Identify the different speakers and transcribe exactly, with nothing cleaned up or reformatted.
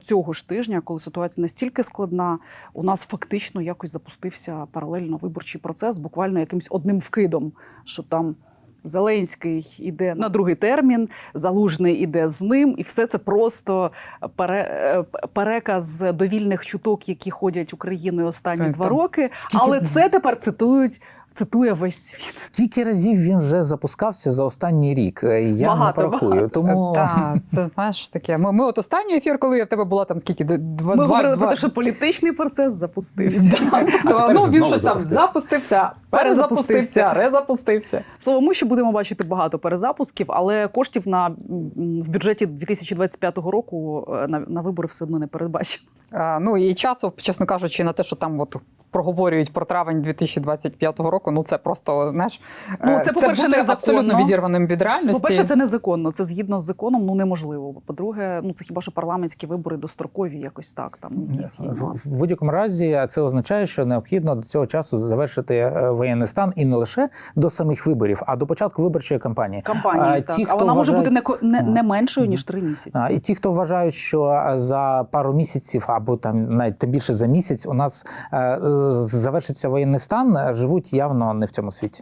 Speaker 1: цього ж тижня, коли ситуація настільки складна, у нас фактично якось запустився паралельно виборчий процес, буквально якимось одним вкидом, що там Зеленський іде на другий термін, Залужний іде з ним, і все це просто пере, переказ довільних чуток, які ходять Україною останні
Speaker 2: Там,
Speaker 1: два роки.
Speaker 2: скільки...
Speaker 1: Але це тепер цитують, цитує весь світ.
Speaker 2: Скільки разів він вже запускався за останній рік? Я
Speaker 1: Багато,
Speaker 2: не порахую.
Speaker 1: багато.
Speaker 2: Тому...
Speaker 3: Так, це, знаєш, таке. Ми, ми от останній ефір, коли я в тебе була там скільки? Два,
Speaker 1: Ми
Speaker 3: два,
Speaker 1: говорили
Speaker 3: два...
Speaker 1: про те, що політичний процес запустився.
Speaker 3: То, ну, він щось там запустився, перезапустився, резапустився.
Speaker 1: Слово, ми ще будемо бачити багато перезапусків, але коштів на, в бюджеті дві тисячі двадцять п'ятого року на, на вибори все одно не передбачено.
Speaker 3: А, ну і часу, чесно кажучи, на те, що там от проговорюють про травень дві тисячі двадцять п'ятого року, ну це просто, знаєш,
Speaker 1: Ну, це, по-перше,
Speaker 3: бути
Speaker 1: незаконно.
Speaker 3: абсолютно відірваним від реальності.
Speaker 1: По-перше, це незаконно, це згідно з законом, ну неможливо. По-друге, ну це хіба що парламентські вибори дострокові якось так, там якісь є нюанси.
Speaker 2: В будь-якому разі це означає, що необхідно до цього часу завершити воєнний стан і не лише до самих виборів, а до початку виборчої кампанії.
Speaker 1: Кампанії,
Speaker 2: а,
Speaker 1: так.
Speaker 2: Ті,
Speaker 1: а вона може
Speaker 2: вважають...
Speaker 1: бути не, не, не меншою, ніж три місяці.
Speaker 2: А, і ті, хто вважають, що за пару місяців або там навіть тим більше за місяць у нас е, завершиться воєнний стан, живуть явно не в цьому світі.